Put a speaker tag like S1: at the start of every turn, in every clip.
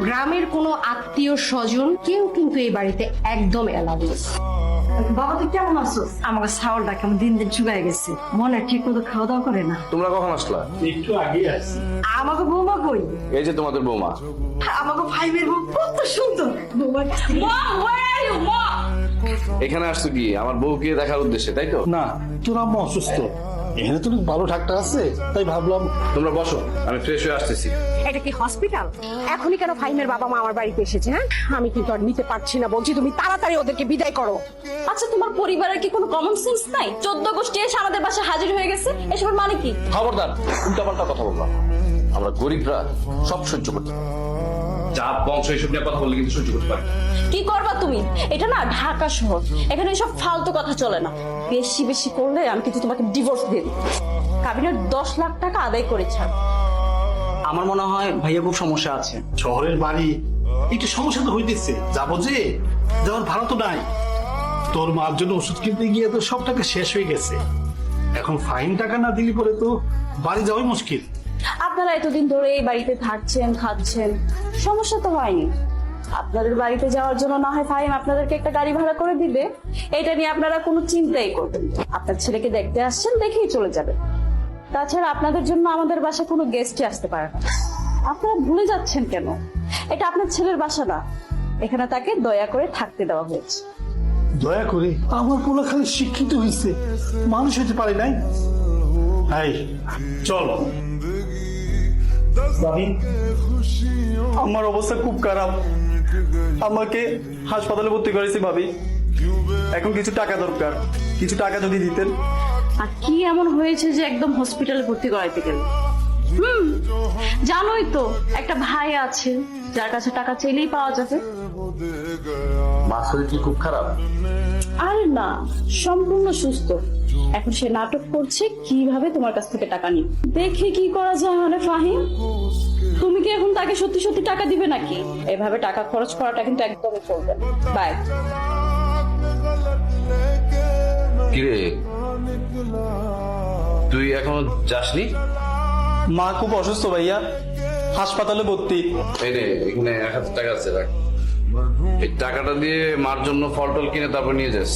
S1: গ্রামের কোনো আত্মীয় স্বজন কেউ কিন্তু এই বাড়িতে একদম এলাও না।
S2: বাবা তুই কেমন আছো? আমাকে ছাগলটা কেমন দিন দিন শুকায় গেছে, মনে ঠিক মতো খাওয়া দাওয়া করে না।
S3: তোমরা কখন আসলা?
S4: একটু আগে আসছি।
S2: আমাকে বৌমা কই?
S3: এই যে তোমাদের বৌমা।
S2: আমাকে ভাইবের বউ কত সুন্দর। বৌমা
S3: এখানে আসছো কি আমার বউকে দেখার উদ্দেশ্যে, তাই তো?
S4: না, তোর আম্মা অসুস্থ, এখানে তো ভালো ডাক্তার আছে, তাই ভাবলাম।
S3: তোমরা বসো, আমি ফ্রেশ হয়ে আসতেছি।
S1: এটা কি হসপিটাল? এখনই কেন ফাহিমের বাবা মা আমার বাড়িতে এসেছে? হ্যাঁ, আমি কিন্তু আর নিতে পারছি না, বলছি তুমি তাড়াতাড়ি ওদেরকে বিদায় করো।
S5: আচ্ছা তোমার পরিবারের কি কোনো কমন সেন্স নাই? 14 গোষ্ঠী এসে আমাদের বাসায় হাজির হয়ে গেছে, এসবের মানে কি?
S3: খবরদার উল্টাপাল্টা কথা বলবা। আমরা গরিবরা সব সহ্য করতে পারি, জাত বংশ এসব নিয়ে কথা বললে কিন্তু সহ্য করতে পারি।
S5: কি করবা তুমি? এটা না ঢাকা শহর, এখানে এসব ফালতু কথা চলে না। বেশি বেশি করলে আমি কিন্তু তোমাকে ডিভোর্স দিয়ে দিই। কাবিনের 10 লাখ টাকা আদায় করে ছাড়।
S6: আমার মনে হয় ভাইয়া খুব সমস্যা আছে।
S4: শহরের বাড়ি একটু সমস্যা তো হইতেছে, যাবো যে যাওয়ার ভাড়া তো নাই। তোর মার জন্য ওষুধ কিনতে গিয়ে তো সব টাকা শেষ হয়ে গেছে, এখন ফাইন টাকা না দিলে পরে তো বাড়ি যাওয়াই মুশকিল।
S5: আপনারা এতদিন ধরে এই বাড়িতে থাকছেন, খাচ্ছেন, সমস্যা তো হয়নি। আপনাদের বাড়িতে যাওয়ার জন্য না হয় ফাহিম আপনাদেরকে একটা গাড়ি ভাড়া করে দিবে, এটা নিয়ে আপনারা কোনো চিন্তাই করবেন না। আপনার ছেলেকে দেখতে আসছেন, দেখেই চলে যাবেন। তাছাড়া আপনাদের জন্য আমাদের বাসায় কোনো গেস্টই আসতে পারে না। আপনারা ভুলে যাচ্ছেন কেন? এটা আপনার ছেলের বাসা না, এখানে তাকে দয়া করে থাকতে দেওয়া হয়েছে।
S4: দয়া করে? আমার পোলা খালি শিক্ষিত হয়েছে, মানুষ হতে পারে নাই। এই চল ভাবি,
S6: আমার অবস্থা খুব খারাপ, আমাকে হাসপাতালে ভর্তি করেছি ভাবি। এখন কিছু টাকা দরকার, কিছু টাকা যদি দিতেন।
S5: আর কি এমন হয়েছে যে একদম হসপিটালে ভর্তি করাইতে গেল? জানোই তো একটা ভাই আছে যার কাছে টাকা চাইলেই পাওয়া যাবে।
S3: মার শরীর কি খুব খারাপ?
S5: আরে না, সম্পূর্ণ সুস্থ। এখন সে নাটক করছে কিভাবে তোমার কাছ থেকে টাকা নিবে। দেখে কি করা যায় মানে ফাহিম? তুমি কি এখন তাকে সত্যি সত্যি টাকা দিবে নাকি? এভাবে টাকা খরচ করাটা কিন্তু একদমই চলবে না। বাই।
S3: কিরে, তুই এখনো যাসনি?
S6: মা খুব অসুস্থ ভাইয়া, হাসপাতালে ভর্তি।
S3: এই নে, এখানে 1000 টাকা আছে, রাখ। এই টাকাটা দিয়ে মার জন্য ফল টল কিনে তারপর নিয়ে যাস।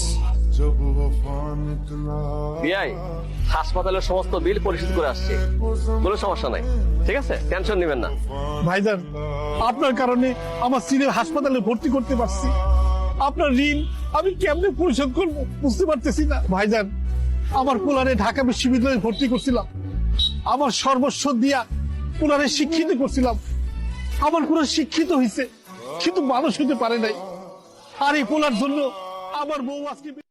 S7: বিআই হাসপাতালের সমস্ত বিল পরিশোধ করে আসছে, কোনো সমস্যা নাই, ঠিক আছে, টেনশন নেবেন না।
S4: ভাইজান, আপনার কারণে আমার ছেলের হাসপাতালে ভর্তি করতে পারছি। আপনার ঋণ আমি কেমনে পরিশোধ করবো বুঝতে পারতেছি না। ভাইজান, আমার পোলারে ঢাকা বিশ্ববিদ্যালয়ে ভর্তি করছিলাম, আমার সর্বস্ব দিয়া পোলারে শিক্ষিত করছিলাম। আমার পোলা শিক্ষিত হয়েছে কিন্তু মানুষ হতে পারে নাই। আর এই পোলার জন্য আমার বউ আজকে